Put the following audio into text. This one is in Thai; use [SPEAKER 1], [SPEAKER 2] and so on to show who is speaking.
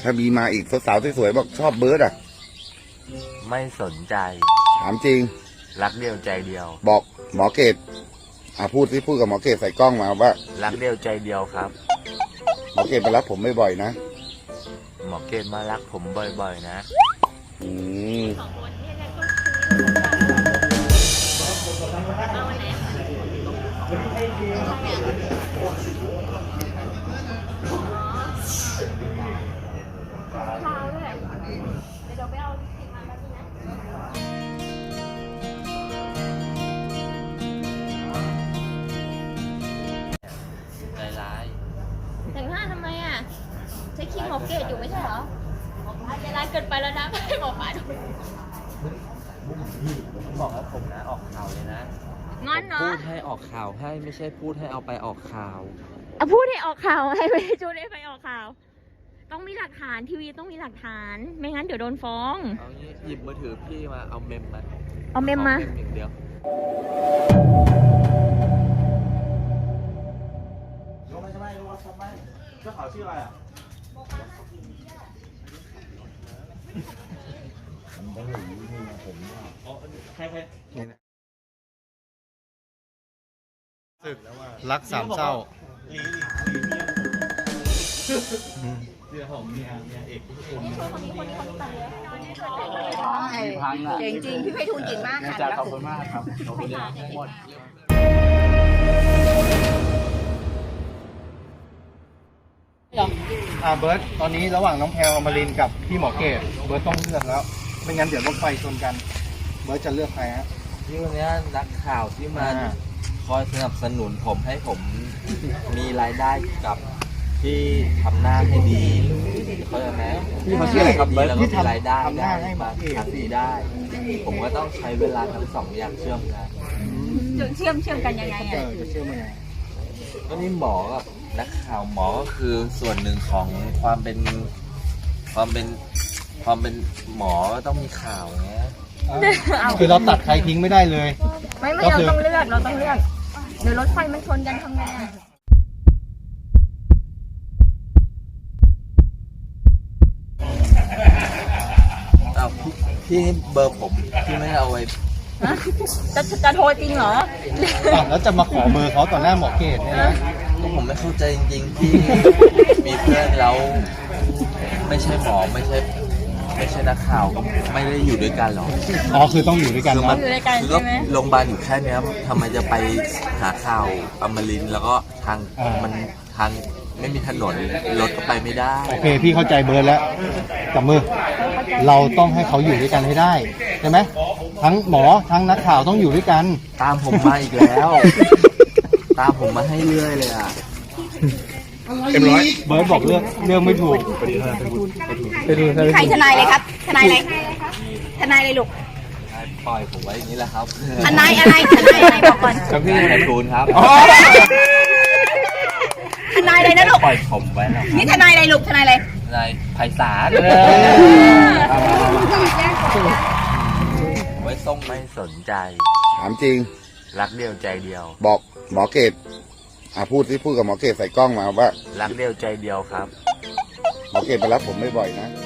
[SPEAKER 1] ถ้ามีมาอีกสาวๆสวยๆบอกชอบเบิร์ดอ่ะ
[SPEAKER 2] ไม่สนใจ
[SPEAKER 1] ถามจริง
[SPEAKER 2] รักเดียวใจเดียว
[SPEAKER 1] บอกหมอเกตพูดกับหมอเกตใส่กล้องมาว่า
[SPEAKER 2] รักเดียวใจเดียวครับ
[SPEAKER 1] หมอเกตมารับผมบ่อยๆนะ
[SPEAKER 2] หมอเกตมารักผมบ่อยๆนะ
[SPEAKER 3] แต่งหน้าทำไมอ่ะใช้ครีมหมอเกตอยู่ไม่ใช่เหรอใจร้ายเกินไปแล้วนะให้หมอปลาดู
[SPEAKER 2] บอกว่าผมนะออกข่าวเลยนะ
[SPEAKER 3] งอนเนาะ
[SPEAKER 2] พูดให้ออกข่าวให้ไม่ใช่พูดให้เอาไปออกข่าว
[SPEAKER 3] พูดให้ออกข่าวให้ไม่จูได้ไปออกข่าวต้องมีหลักฐานทีวีต้องมีหลักฐานไม่งั้นเดี๋ยวโดนฟ้อง
[SPEAKER 2] เอางี้หยิบมือถือพี่มาเอาเมมมาอย่างเดียว
[SPEAKER 4] เจ้าขาวชื่ออะไรอ่ะ
[SPEAKER 5] ศึกรักสามเศร้า
[SPEAKER 4] เดี๋ยวผมเนี่ยเอก
[SPEAKER 3] เก่งจริงพี่ไพฑูรย์เก่งมากค่ะ
[SPEAKER 4] ขอบคุณมากครับขอบคุณหมด
[SPEAKER 5] เบิร์ตตอนนี้ระหว่างน้องแพรวอมรินทร์กับพี่หมอเกตเบิร์ตต้องเลือกแล้วไม่งั้นเดี๋ยวรถไฟชนกันเบิร์ตจะเลือกใครฮะ
[SPEAKER 2] ที่วันนี้นักข่าวที่มาคอยสนับสนุนผมให้ผมมีรายได้กับที่ทำหน้าให้ดีเขาจะไหม
[SPEAKER 5] พี่มาเชื่ออะไรครับเบิร์ต
[SPEAKER 2] ที่ทำรายได้ได้มาทำดีได้ผมก็ต้องใช้เวลาทั้งสองอย่างเชื่อมกัน
[SPEAKER 3] เชื่อมกันยังไง
[SPEAKER 5] จะเชื่อมยังไง
[SPEAKER 2] ก็นี่หมอกับนักข่าวหมอก็คือส่วนหนึ่งของความเป็นหมอต้องมีข่าวเงี้ย
[SPEAKER 5] คือเราตัดใครทิ้งไม่ได้เลย
[SPEAKER 3] ไม่เราต้องเลือกเดี๋ยวรถไฟมันชนกันทำไง
[SPEAKER 2] พี่เบอร์ผมพี่ไม่เอาไว้
[SPEAKER 3] จะโทรจริงเหรอ
[SPEAKER 5] แล้วจะมาขอเบอร์เขาต่อหน้าหมอเกตเนี่ยนะ
[SPEAKER 2] ผมไม่เข้าใจจริงๆที่มีเพื่อนแล้วไม่ใช่หมอไม่ใช่นักข่าวก็ไม่ได้อยู่ด้วยกันหรอ
[SPEAKER 5] คือต้องอยู่ด้วยกันนะ
[SPEAKER 2] คือก็โรงพยาบาลอยู่แค่นี้ทำไมจะไปหาข่าวอมรินทร์แล้วก็ทางไม่มีถนนรถก็ไปไม่ได้
[SPEAKER 5] โอเคพี่เข้าใจเบิร์ดแล้วจับมือเราต้องให้เขาอยู่ด้วยกันให้ได้ใช่ไหมทั้งหมอทั้งนักข่าวต้องอยู่ด้วยกัน
[SPEAKER 2] ตามผมมาอีกแล้วตามผมมาให้เรื่อยเลยอ่ะ
[SPEAKER 5] เรียบร้อยเบิร์ดบอกเรื่องไม่ถูก
[SPEAKER 3] ใครทนายเลยครับทนายอะไรลูก
[SPEAKER 2] ปล่อยผมไว้อย่างนี้แหละครับ
[SPEAKER 3] ทนายอะไรบอกก่อน
[SPEAKER 2] ครับพี่ไพฑูรย์ครับ
[SPEAKER 3] ทนายอะไรนะลูก
[SPEAKER 2] ปล่อยผมไว้แล้ว
[SPEAKER 3] นี่ทนายอะไรลูกทนายอะไร
[SPEAKER 2] ทนายไพศาลไว้ส่งไม่สนใจ
[SPEAKER 1] ถามจริง
[SPEAKER 2] รักเดียวใจเดียว
[SPEAKER 1] บอกหมอเกตพูดกับหมอเกตใส่กล้องมาว่า
[SPEAKER 2] รักเดียวใจเดียวครับ
[SPEAKER 1] หมอเกตมารับผมบ่อยๆนะ